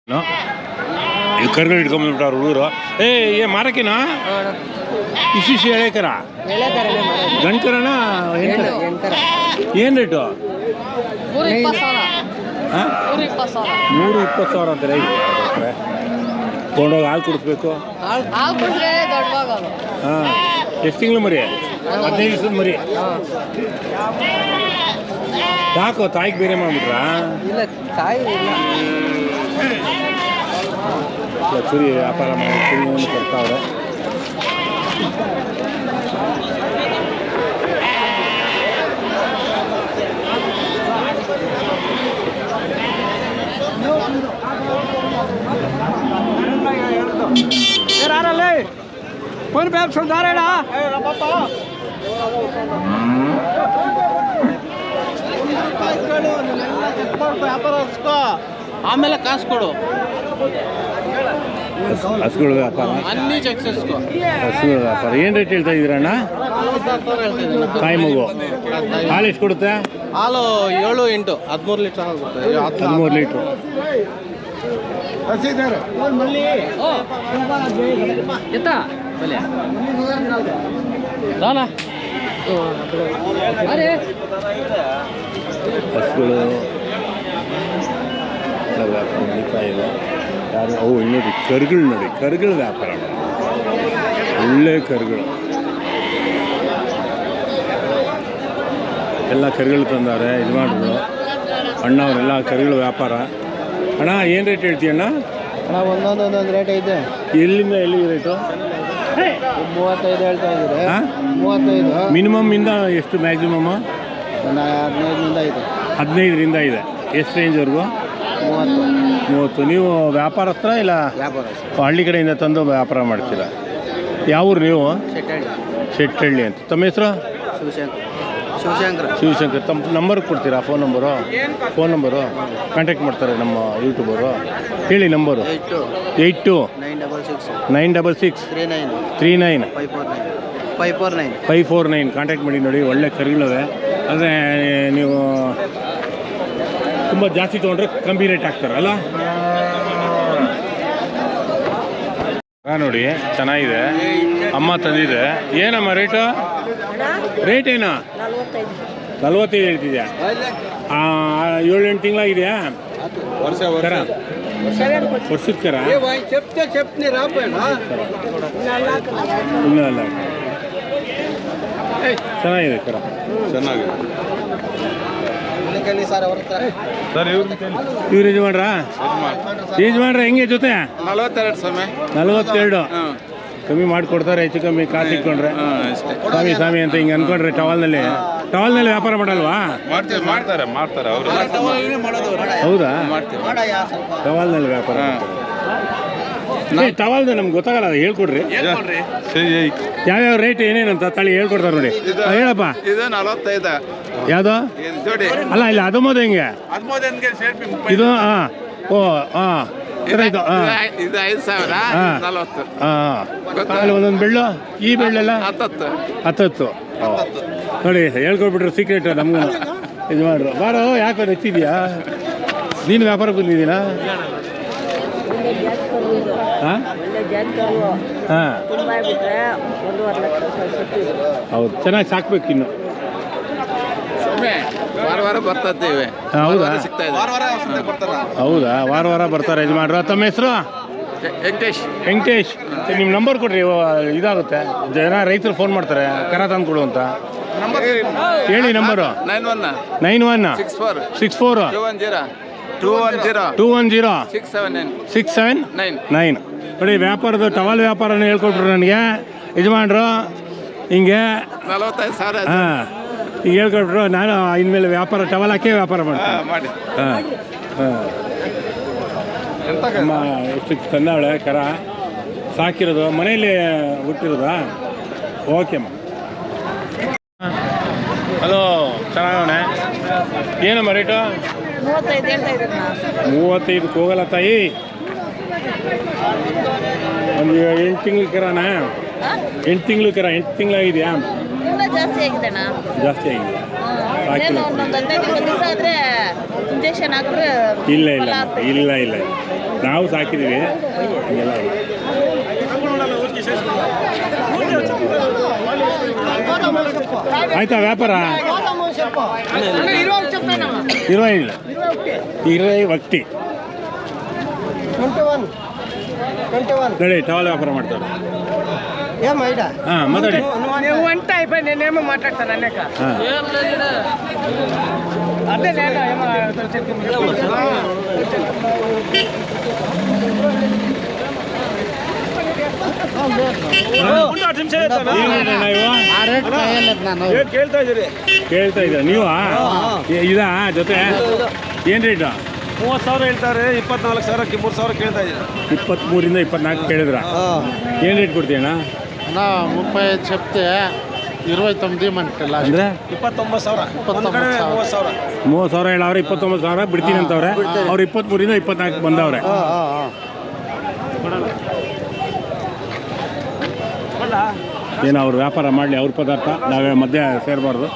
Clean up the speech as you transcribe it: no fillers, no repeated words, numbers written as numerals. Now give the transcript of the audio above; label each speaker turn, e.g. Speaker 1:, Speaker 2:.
Speaker 1: ಇಲ್ಲಿ ಕರ್ಗಳು ಇಟ್ಕೊಂಡ್ಬಿಟ್ಟಾರ ಹುಡುಗರು. ಏ ಮಾರಕಿನ ಇಶಿಶಿ ಎಳೆಕರ ಗಂಡ್ಕರಣ ಏನು ರೇಟು? 320,000 ಅಂತಾರೆ. ತೊಗೊಂಡೋಗಿ ಹಾಲು ಕುಡಿಸ್ಬೇಕು. ಹಾಂ, ಎಷ್ಟು ತಿಂಗಳು ಮರಿ? 15 ದಿವಸದ ಮರಿ. ಯಾಕೋ ತಾಯಿಗೆ ಬೇರೆ ಮಾಡ್ಬಿಟ್ರಾ? ಕುರಿ ವ್ಯಾಪಾರ ಮಾಡಿ ಕುರಿಯನ್ನು ಕೊಡ್ತಾವ್ರೆ.
Speaker 2: ಫೋನ್ ಪೇ ಸುಧಾರಣ ಆಮೇಲೆ ಕಾಸು ಕೊಡು.
Speaker 1: ಹಸುಗಳ ವ್ಯಾಪಾರ, ಹಸುಗಳ ವ್ಯಾಪಾರ. ಏನು ರೇಟ್ ಹೇಳ್ತಾ ಇದ್ದೀರಣ್ಣ? ತಾಯಿ ಮಗು ಹಾಲು ಎಷ್ಟು ಕೊಡುತ್ತೆ?
Speaker 2: ಹಾಲು 7-8 13 ಲೀಟ್ರ್ ಆಗುತ್ತೆ.
Speaker 1: 13 ಲೀಟ್ರು. ಹಸುಗಳು ವ್ಯಾಪಾರ ನಡೀತಾ ಇದೆ. ಯಾರು ಅವು ನೋಡಿ ಕರುಗಳು, ನೋಡಿ ಕರುಗಳ ವ್ಯಾಪಾರ, ಒಳ್ಳೆ ಕರುಗಳು. ಎಲ್ಲ ಕರುಗಳು ತಂದಾರೆ ಯಜಮಾನರು, ಅಣ್ಣವರೆಲ್ಲ ಕರುಗಳ ವ್ಯಾಪಾರ. ಅಣ್ಣ ಏನು ರೇಟ್ ಹೇಳ್ತೀಯಣ್ಣ?
Speaker 2: ಒಂದೊಂದು ರೇಟ್ ಐತೆ.
Speaker 1: ಎಲ್ಲಿಂದ ಎಲ್ಲಿಗೆ ರೇಟು?
Speaker 2: 35 ಹೇಳ್ತಾ ಇದ್ದೀರಿ.
Speaker 1: 35 ಮಿನಿಮಮ್ ಇಂದ ಎಷ್ಟು ಮ್ಯಾಕ್ಸಿಮಮ್? 15ರಿಂದ ಇದೆ. ಎಷ್ಟು ರೇಂಜ್ವರೆಗೂ? 30. ನೀವು ವ್ಯಾಪಾರಸ್ಥರ ಇಲ್ಲ ಹಳ್ಳಿ ಕಡೆಯಿಂದ ತಂದು ವ್ಯಾಪಾರ ಮಾಡ್ತೀರಾ? ಯಾವ ಊರು ನೀವು? ಶೆಟ್ಟಹಳ್ಳಿ ಅಂತ. ತಮ್ಮ ಹೆಸರು? ಶಿವಶಂಕರ್. ತಮ್ಮ ನಂಬರ್ ಕೊಡ್ತೀರಾ? ಫೋನ್ ನಂಬರು ಕಾಂಟ್ಯಾಕ್ಟ್ ಮಾಡ್ತಾರೆ ನಮ್ಮ ಯೂಟ್ಯೂಬರು. ಹೇಳಿ ನಂಬರು. 82-966-39-39-549 ಕಾಂಟ್ಯಾಕ್ಟ್ ಮಾಡಿ. ನೋಡಿ ಒಳ್ಳೆ ಕರುಗಳವೆ. ಆದರೆ ನೀವು ತುಂಬ ಜಾಸ್ತಿ ತೊಗೊಂಡ್ರೆ ಕಮ್ಮಿ ರೇಟ್ ಹಾಕ್ತಾರಲ್ಲ. ನೋಡಿ ಚೆನ್ನಾಗಿದೆ, ಅಮ್ಮ ತಂದಿದೆ. ಏನಮ್ಮ ರೇಟು? ರೇಟ್ ಏನೋ 45 ಹೇಳ್ತಿದ್ಯಾ? 7-8 ತಿಂಗಳಾಗಿದೆಯಾ? ವರ್ಷದ ಕರ? ಇಲ್ಲ ಅಲ್ಲ, ಚೆನ್ನಾಗಿದೆ ಕರ, ಚೆನ್ನಾಗಿದೆ. ಇವ್ರು ಯಜಮಾನ್ರ ಹೆಂಗೆ ಜೊತೆ? 42 ಕಮ್ಮಿ ಮಾಡಿಕೊಡ್ತಾರೆ. ಹೆಚ್ಚು ಕಮ್ಮಿ ಕಾಸು ಇಟ್ಕೊಂಡ್ರೆ ಸ್ವಾಮಿ ಅಂತ ಹಿಂಗೆ ಅನ್ಕೊಂಡ್ರೆ ಟವಲ್ನಲ್ಲಿ ವ್ಯಾಪಾರ ಮಾಡಲ್ವಾ?
Speaker 3: ಮಾಡ್ತಾರೆ ಅವರು.
Speaker 1: ಹೌದಾ? ಟವಲ್ನಲ್ಲಿ ವ್ಯಾಪಾರ. ಟವಲ್ದು ನಮ್ಗೆ ಗೊತ್ತಾಗಲ್ಲ, ಅದು ಹೇಳ್ಕೊಡ್ರಿ. ಯಾವ್ಯಾವ ರೇಟ್ ಏನೇನಂತ ತಳಿ ಹೇಳ್ಕೊಡ್ತಾರೆ ನೋಡಿ. ಹೇಳಪ್ಪ. ಯಾವುದು? ಅಲ್ಲ ಇಲ್ಲ, 19 ಹೆಂಗೆ ಇದು? ಅಲ್ಲಿ ಒಂದೊಂದು ಬೆಳ್ಳು, ಈ ಬೆಳ್ಳೆಲ್ಲ 10. ನೋಡಿ ಹೇಳ್ಕೊಟ್ಬಿಟ್ರು ಸೀಕ್ರೆಟ್ ನಮ್ಗೂ. ಇದು ಮಾಡ್ರು ಬಾರೋ. ಯಾಕೆ ಹೆಚ್ಚಿದ್ಯಾ? ನೀನು ವ್ಯಾಪಾರ ಬಂದಿದ್ದೀನಾ? ಹಾಂ ಹೌದು, ಚೆನ್ನಾಗಿ ಸಾಕ್ಬೇಕು ಇನ್ನು.
Speaker 3: ವಾರ ಬರ್ತಿದ್ದೇವೆ.
Speaker 1: ಹೌದಾ? ಹೌದಾ, ವಾರ ಬರ್ತಾರೆ ಯಜಮಾನ್ರು. ತಮ್ಮ ಹೆಸರು? ವೆಂಕಟೇಶ್. ನಿಮ್ಮ ನಂಬರ್ ಕೊಡ್ರಿ, ಇದಾಗುತ್ತೆ. ಜನ ರೈತರು ಫೋನ್ ಮಾಡ್ತಾರೆ ಕರ ತಂದು ಕೊಡು ಅಂತ. ಹೇಳಿ ನಂಬರು. 9164 210 679. ನೋಡಿ ವ್ಯಾಪಾರದ ಟವಲ್ ವ್ಯಾಪಾರನ ಹೇಳ್ಕೊಟ್ರು ನನಗೆ ಯಜಮಾನ್ರು. ಹಿಂಗೆ
Speaker 3: 45,000.
Speaker 1: ಹಾಂ, ಈಗ ಹೇಳ್ಕೊಟ್ರು. ನಾನು ಇನ್ಮೇಲೆ ವ್ಯಾಪಾರ ಟವಲ್ ಹಾಕೇ ವ್ಯಾಪಾರ ಮಾಡ್ತೀನಿ. ಅಮ್ಮ ಎಷ್ಟು ತಂದಾಳೆ ಕರ, ಸಾಕಿರೋದು ಮನೆಯಲ್ಲಿ ಹುಟ್ಟಿರೋದಾ? ಓಕೆ ಅಮ್ಮ. ಹಲೋ, ಚೆನ್ನಾಗವಣೆ. ಏನಮ್ಮ ರೇಟು? 35 ಹೋಗಲ್ಲ ತಾಯಿ. ಒಂದು 8 ತಿಂಗ್ಳು ಕರನಾ? 8 ತಿಂಗಳು ಕರ. 8 ತಿಂಗಳಾಗಿದೆಯಾ?
Speaker 4: ಜಾಸ್ತಿ ಆಗಿದೆ.
Speaker 1: ಇಲ್ಲ ಇಲ್ಲ ಇಲ್ಲ ಇಲ್ಲ. ನಾವು ಸಾಕಿದ್ದೀವಿ ಎಲ್ಲ ಆಯ್ತಾ ವ್ಯಾಪಾರ 20 ವಕ್ತಿ ನಡಿ ಟವಲ್ ವ್ಯಾಪಾರ ಮಾಡ್ತಾರೆ ಹಾಂ ಮಾತಾಡಿ
Speaker 4: మాట్లాడతాను అనేక
Speaker 1: ಹಾಂ
Speaker 4: అదే నేను
Speaker 1: ಕೇಳ್ತಾ ಇದ್ದೀರಾ ನೀವು ಇದಾ ಜೊತೆ ಏನು ರೇಟು
Speaker 2: 30,000 ಹೇಳ್ತಾರೆ. 24,000ಕ್ಕೆ 3,000 ಕೇಳ್ತಾ ಇದ್ದೀರಾ?
Speaker 1: 23ರಿಂದ 24 ಕೇಳಿದ್ರ ಏನು ರೇಟ್ ಕೊಡ್ತೀಯಣ್ಣ?
Speaker 2: 35 చెప్తే 29 ఇవ్వమంటారు.
Speaker 1: ಅಂದರೆ
Speaker 2: 29,000
Speaker 1: 30,000 ಹೇಳವ್ರೆ, 29,000 ಬಿಡ್ತೀನಿ ಅಂತವ್ರೆ. ಅವ್ರು 23ರಿಂದ 24 ಬಂದವ್ರೆ. ಏನು ಅವ್ರು ವ್ಯಾಪಾರ ಮಾಡಲಿ, ಅವ್ರ ಪದಾರ್ಥ ನಾವೇ ಮಧ್ಯೆ ಸೇರಬಾರ್ದು.